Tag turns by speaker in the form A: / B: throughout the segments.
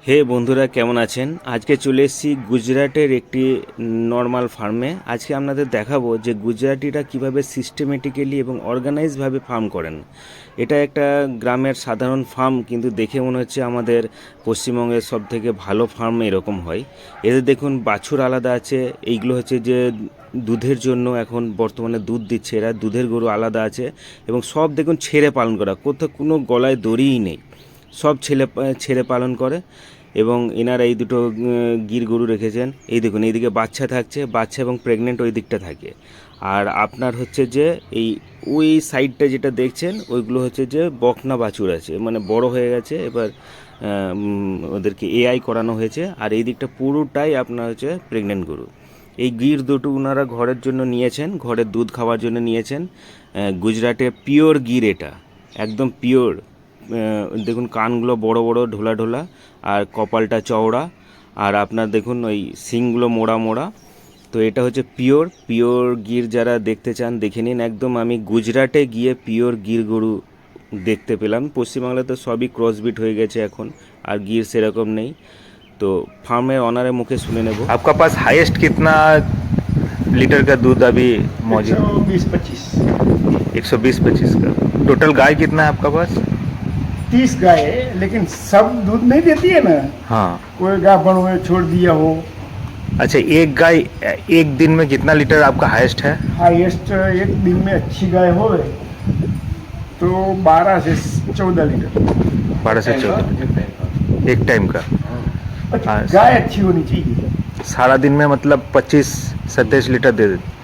A: হে বন্ধুরা, কেমন আছেন? আজকে চলে এসেছি গুজরাটের একটি নর্মাল ফার্মে। আজকে আপনাদের দেখাবো যে গুজরাটিরা কিভাবে সিস্টেমেটিক্যালি এবং অর্গানাইজভাবে ফার্ম করেন। এটা একটা গ্রামের সাধারণ ফার্ম, কিন্তু দেখে মনে হচ্ছে আমাদের পশ্চিমবঙ্গের সব থেকে ভালো ফার্ম এরকম হয়। এদের দেখুন বাছুর আলাদা আছে, এইগুলো হচ্ছে যে দুধের জন্য এখন বর্তমানে দুধ দিচ্ছে এরা। দুধের গরু আলাদা আছে এবং সব দেখুন ছেড়ে পালন করা, কোথাও কোনো গলায় দড়িই নেই, সব ছেড়ে পালন করে। এবং এনারা এই দুটো গির গরু রেখেছেন। এই দেখুন এইদিকে বাচ্চা থাকছে, বাচ্চা এবং প্রেগনেন্ট ওই দিকটা থাকে। আর আপনার হচ্ছে যে এই ওই সাইডটা যেটা দেখছেন ওইগুলো হচ্ছে যে বকনা বাছুর আছে, মানে বড় হয়ে গেছে এবার। ওদেরকে এআই করানো হয়েছে। আর এই দিকটা পুরোটাই আপনার হচ্ছে প্রেগনেন্ট গরু। এই গির দুটো ওনারা ঘরের জন্য নিয়েছেন, ঘরের দুধ খাওয়ার জন্য নিয়েছেন। গুজরাটে পিওর গির, এটা একদম পিওর। দেখুন কানগুলো বড় বড় ঢোলা ঢোলা, আর কপালটা চওড়া, আর আপনার দেখুন ওই শিংগুলো মোড়া মোড়া। তো এটা হচ্ছে পিওর পিওর গির। যারা দেখতে চান দেখে নিন। একদম আমি গুজরাটে গিয়ে পিওর গির গরু দেখতে পেলাম। পশ্চিমবাংলায় তো সবই ক্রসবিট হয়ে গেছে এখন, আর গির সেরকম নেই। তো ফার্মের অনারের মুখে শুনে নেব।
B: आपका पास हाईएस्ट कितना लीटर का दूध अभी मौजूद?
C: 120-25।
B: 120-25 का। टोटल गाय कितना है आपका पास?
C: 30 गाय है, लेकिन सब दूध नहीं देती है ना।
B: हाँ।
C: कोई गाय बड़ में छोड़ दिया हो।
B: अच्छा, एक गाय एक दिन में कितना लीटर आपका हाईएस्ट है?
C: हाईएस्ट एक दिन में अच्छी गाय हो तो 12 से 14 लीटर।
B: 12 से 14 एक टाइम का। हाँ।
C: गाय अच्छी होनी चाहिए।
B: सारा दिन में मतलब 25-27 लीटर दे देते?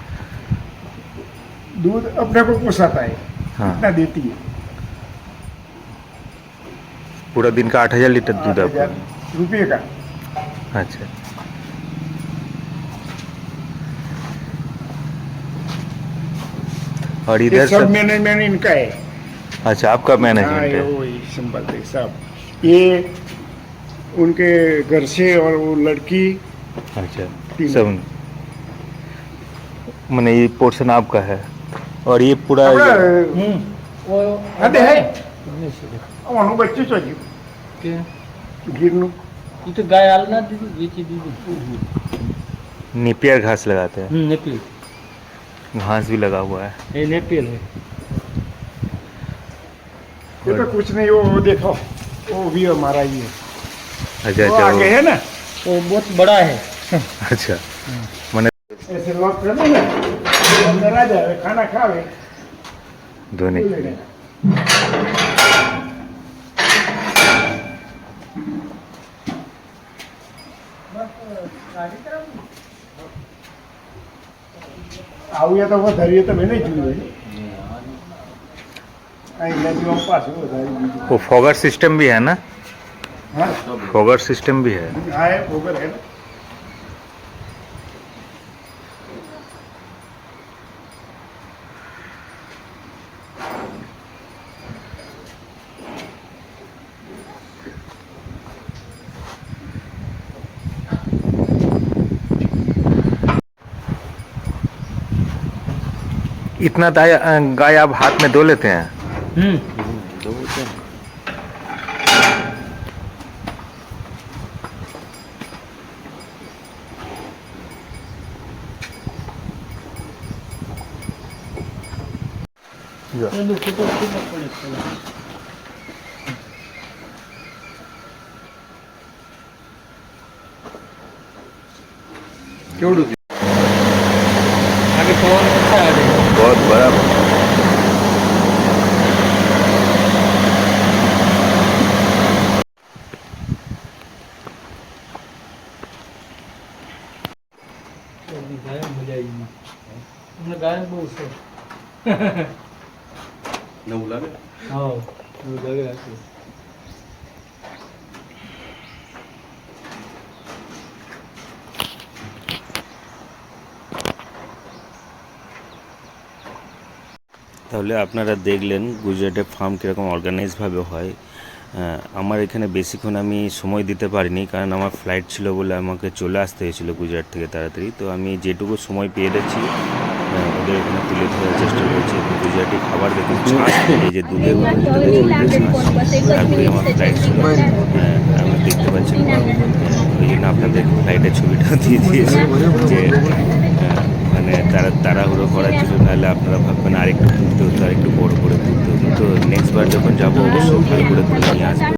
C: दूध अपने को पोसाता है।
B: हाँ।
C: इतना देती है।
B: पूरा दिन का 8,000 लीटर दूध आपका?
C: 8,000 रुपये का।
B: अच्छा। और
C: ये
B: इधर
C: सब
B: सब?
C: मैनेजमेंट इनका है।
B: अच्छा, आपका
C: हाँ,
B: मैनेजमेंट
C: ये
B: है।
C: वही संभालते हैं सब। ये उनके घर से, और वो लड़की
B: अच्छा,
C: तीन।
B: सब मैंने ये पोर्शन आपका है। और ये पूरा
C: अरे है અમારું બચ્ચું ચોજ્યું ગીરનું।
D: ये तो गाय आलना दीदी बेची दीदी
B: नेपियर घास लगाते हैं,
D: नेपियल
B: घास भी लगा हुआ है।
D: ये नेपियल है।
C: ये तो कुछ नहीं, वो देखो वो भी हमारा ही है।
B: अच्छा
C: वो
B: अच्छा
C: आगे है ना,
D: वो बहुत बड़ा है।
B: अच्छा, मैंने
C: ऐसे लॉक कर दो ना, वो अंदर आ जाए, खाना खावे।
B: धोने के लिए।
C: આવું તો વધારીએ તો મેં નહીં જોયું અહીં નદીમાં પાછું વધારી દીધું।
B: वो फॉगर सिस्टम भी है ना?
C: हाँ
B: फॉगर सिस्टम भी है।
C: हाँ है गोबर है ना।
B: इतना गाय आप हाथ में धो लेते हैं?
D: केवड़ू आगे पवन अच्छा है।
B: बहुत बड़ा।
D: गाय मजा आएगी। हमने गाय बहुत से
A: નવું લાગે?
D: हाँ वो लगे आके
A: তাহলে আপনারা দেখলেন গুজরাটের ফার্ম কীরকম অর্গানাইজভাবে হয়। আমার এখানে বেশিক্ষণ আমি সময় দিতে পারিনি, কারণ আমার ফ্লাইট ছিল বলে আমাকে চলে আসতে হয়েছিল গুজরাট থেকে তাড়াতাড়ি। তো আমি যেটুকু সময় পেয়ে যাচ্ছি ওদের এখানে তুলে ধরার চেষ্টা করছি। গুজরাটি খাবার দেখুন, ছাঁচ, এই যে দুধের মতো যেটা দেখুন, ছাঁচ। তারপরে আমার ফ্লাইট ছিল, আমি দেখতে পাচ্ছি আগে ছবিটা দিয়ে দিয়েছি যে মানে তাড়াহুড়ো করার জন্য, নাহলে আপনারা ভাববেন আরেকটু তুলতে হতো, আরেকটু বড় করে তুলতে হতো। তো নেক্সট বার যখন যাবো অবশ্যই ভালো করে তুলে নিয়ে আসবো।